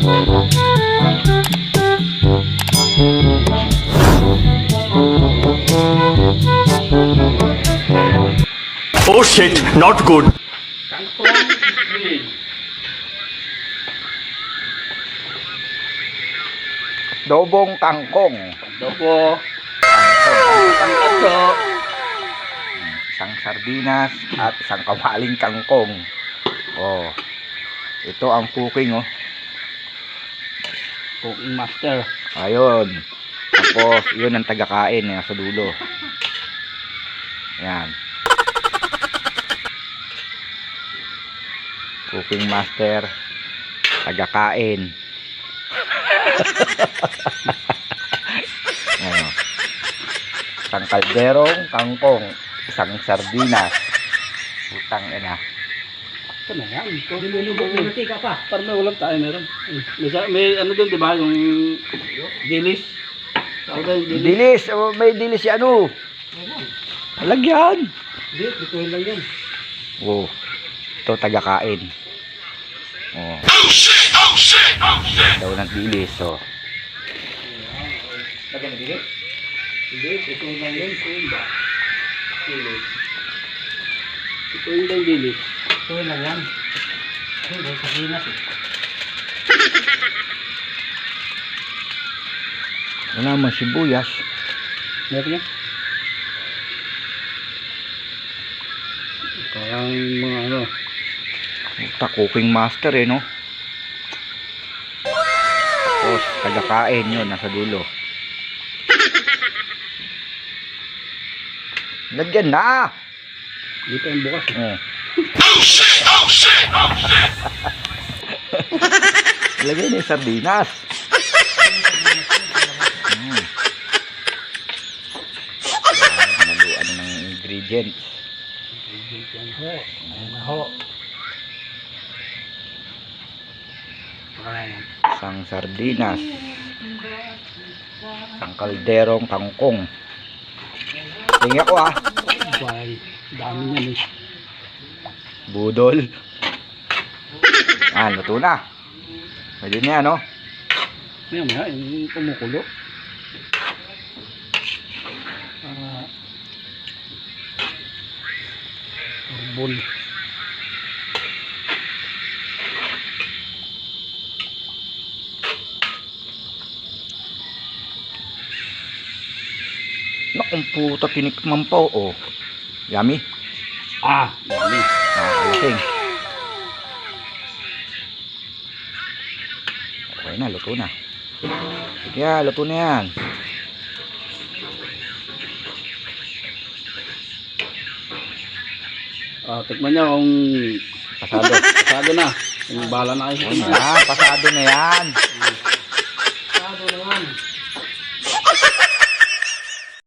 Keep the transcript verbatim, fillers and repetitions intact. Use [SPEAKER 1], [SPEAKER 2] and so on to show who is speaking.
[SPEAKER 1] Oh shit, not good.
[SPEAKER 2] Kangkong green.
[SPEAKER 3] Dobong kangkong.
[SPEAKER 2] Adobo.
[SPEAKER 3] Kangkong.
[SPEAKER 2] Pangkato.
[SPEAKER 3] Isang sardinas at isang kawaling kangkong. Oh. Ito ang cooking, oh.
[SPEAKER 2] Cooking master.
[SPEAKER 3] Ayun. Tapos, yun ang tagakain yan sa dulo. Yan. Cooking master, tagakain. Ano? Isang kalderong kangkong, isang sardinas. Utang ina.
[SPEAKER 2] Ito na yan. Dilulubog mo ka pa. Para may ulam tayo meron. May, sa- may ano doon, di ba? Yung dilis. Tawag doon, dilis.
[SPEAKER 3] Dilis, oh, may dilis si ano. Lagyan.
[SPEAKER 2] Hindi, bituin lang yan.
[SPEAKER 3] Oh. Ito tagakain. Oh. Daw ng dilis, oh.
[SPEAKER 2] Lagyan na dilis? Hindi, bituin lang yan. Bituin ba? Dilis. Bituin lang dilis. Bituin lang yan. Hindi, sabinas eh.
[SPEAKER 3] Wala naman sibuyas.
[SPEAKER 2] Meron yan. Parang mga ano.
[SPEAKER 3] Puta, cooking master eh, no? Tapos, tagakain yun, nasa dulo. Lagyan na!
[SPEAKER 2] Dito yung bukas. Eh.
[SPEAKER 3] Oh. Lagyan na yung sardinas. Hmm. Ah, naluan ng ingredients.
[SPEAKER 2] Yan ho. Ayan na ho. Ayan.
[SPEAKER 3] Isang sardinas. Isang kalderong kangkong. Tingnan ko ah.
[SPEAKER 2] Bye. Dami niyan eh.
[SPEAKER 3] Budol. Ah, luto na. Pwede na yan, no?
[SPEAKER 2] Maya maya, yung kumukulo. Ah. Bol.
[SPEAKER 3] Nakong puta, tinikman pa, oh. Yummy.
[SPEAKER 2] Ah, dami.
[SPEAKER 3] Nakakalasing. Okay na, luto na. Sige na, luto na yan.
[SPEAKER 2] Ah, tikman niyo kung
[SPEAKER 3] Pasado.
[SPEAKER 2] pasado na. Yung bala na kayo.
[SPEAKER 3] Ayun na, pasado na yan.